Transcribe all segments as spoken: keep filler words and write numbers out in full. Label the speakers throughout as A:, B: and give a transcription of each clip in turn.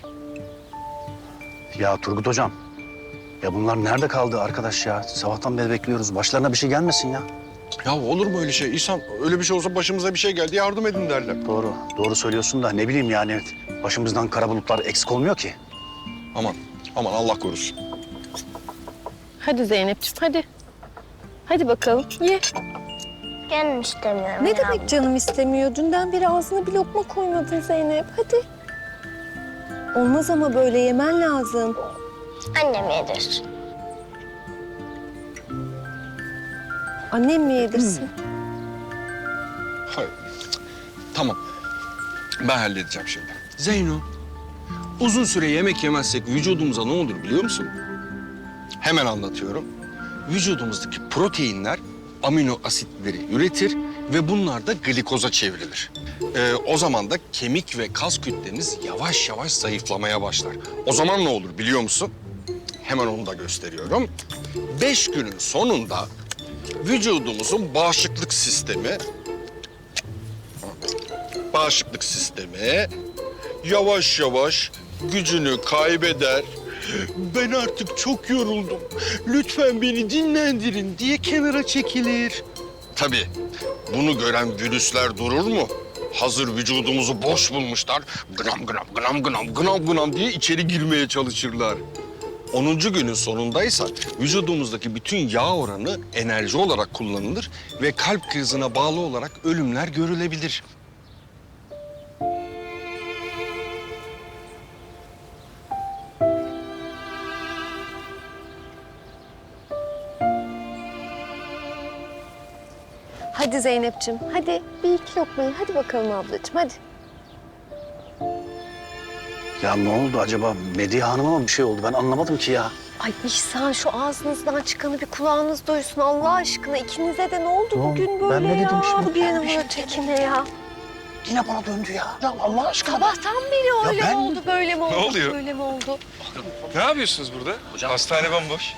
A: Ya Turgut hocam, ya bunlar nerede kaldı arkadaş ya? Sabahtan beri bekliyoruz. Başlarına bir şey gelmesin ya.
B: Ya olur mu öyle şey? İhsan öyle bir şey olsa başımıza bir şey geldi yardım edin derler.
A: Doğru, doğru söylüyorsun da ne bileyim yani başımızdan kara bulutlar eksik olmuyor ki.
B: Aman, aman Allah korusun.
C: Hadi Zeynep'ciğim hadi. Hadi bakalım ye.
D: Canım istemiyorum
C: Ne
D: ya.
C: demek canım istemiyor? Dünden beri ağzına bir lokma koymadın Zeynep. Hadi. Olmaz ama böyle yemen lazım.
D: Annem yedir.
C: Annem mi yedirsin?
B: Hayır. Tamam. Ben halledeceğim şimdi. Zeyno, uzun süre yemek yemezsek vücudumuza ne olur biliyor musun? Hemen anlatıyorum. Vücudumuzdaki proteinler amino asitleri üretir ve bunlar da glikoza çevrilir. Ee, o zaman da kemik ve kas kütleniz yavaş yavaş zayıflamaya başlar. O zaman ne olur biliyor musun? Hemen onu da gösteriyorum. Beş günün sonunda vücudumuzun bağışıklık sistemi bağışıklık sistemi yavaş yavaş gücünü kaybeder. Ben artık çok yoruldum. Lütfen beni dinlendirin diye kenara çekilir. Tabii bunu gören virüsler durur mu? Hazır vücudumuzu boş bulmuşlar. Gram gram gram gram gram gram diye içeri girmeye çalışırlar. Onuncu günün sonundaysa vücudumuzdaki bütün yağ oranı enerji olarak kullanılır ve kalp krizine bağlı olarak ölümler görülebilir.
C: Hadi Zeynep'ciğim hadi. Bir iki lokmayı hadi bakalım ablacığım hadi.
A: Ya ne oldu acaba? Medya Hanım'a mı bir şey oldu? Ben anlamadım ki ya.
C: Ay İhsan şu ağzınızdan çıkanı bir kulağınız duysun Allah aşkına. İkinize de ne oldu
A: Tamam,
C: bugün
A: ben
C: böyle
A: ne
C: ya?
A: dedim şimdi?
C: Bu birine
A: Ben bir şey
C: vurur tekine ya.
A: Yine bana döndü ya. Ya Allah aşkına.
C: Sabahtan beri öyle
A: ben-
C: mi oldu, böyle mi oldu,
E: oluyor?
C: böyle mi oldu?
E: Ne yapıyorsunuz burada?
A: Hocam.
E: Hastane bomboş.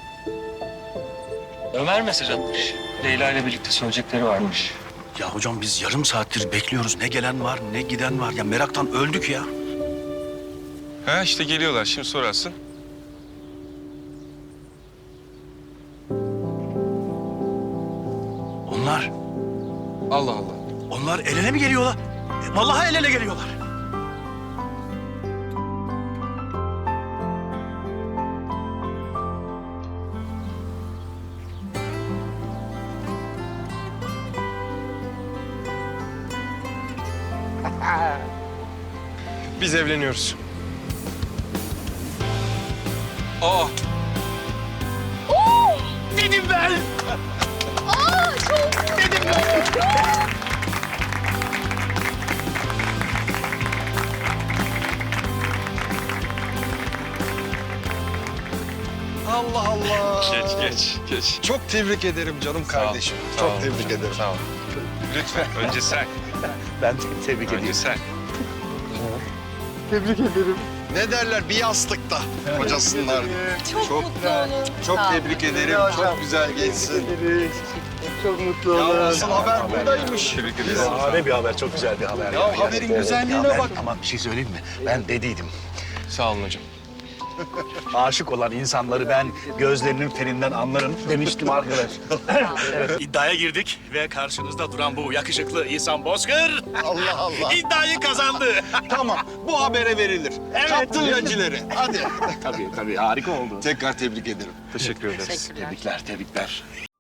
F: Ömer mesaj atmış. Leyla ile birlikte söyleyecekleri varmış.
A: Ya hocam biz yarım saattir bekliyoruz. Ne gelen var, ne giden var. Ya meraktan öldük ya.
E: Ha işte geliyorlar şimdi sorarsın.
A: Onlar,
E: Allah Allah.
A: onlar el ele mi geliyorlar? E, vallahi el ele geliyorlar.
E: Biz evleniyoruz. Aa.
A: Dedim ben.
B: Allah Allah.
E: Geç geç geç.
B: Çok tebrik ederim canım kardeşim.
E: Sağ
B: Çok
E: ol.
B: tebrik ederim.
E: Sağ ol. Lütfen önce sen.
A: Ben te- tebrik
E: Önce
A: ediyorum.
E: sen.
B: Ne derler bir yastıkta kocasınlar.
C: Çok, mutlu olun.
B: Çok
C: Sağ ol.
B: tebrik ederim. Çok güzel geçsin.
A: Çok mutlu
B: Ya asıl haber buradaymış.
E: Tebrik ederiz.
A: Şahane bir haber, çok güzel bir haber.
B: Ya haberin güzelliğine
A: ben,
B: bak.
A: Ama bir şey söyleyeyim mi? Ben dediydim.
E: Sağ olun hocam.
A: Aşık olan insanları ben gözlerinin ferinden anlarım demiştim arkadaş. Evet, iddiaya girdik ve karşınızda duran bu yakışıklı İhsan Bozkır
B: Allah Allah.
A: iddiayı kazandı.
B: Tamam bu habere verilir.
A: Evet.
B: Kaptın yacileri. Hadi.
A: Tabii tabii harika oldu.
B: Tekrar tebrik ederim.
E: Teşekkür ederiz.
A: Tebrikler, tebrikler.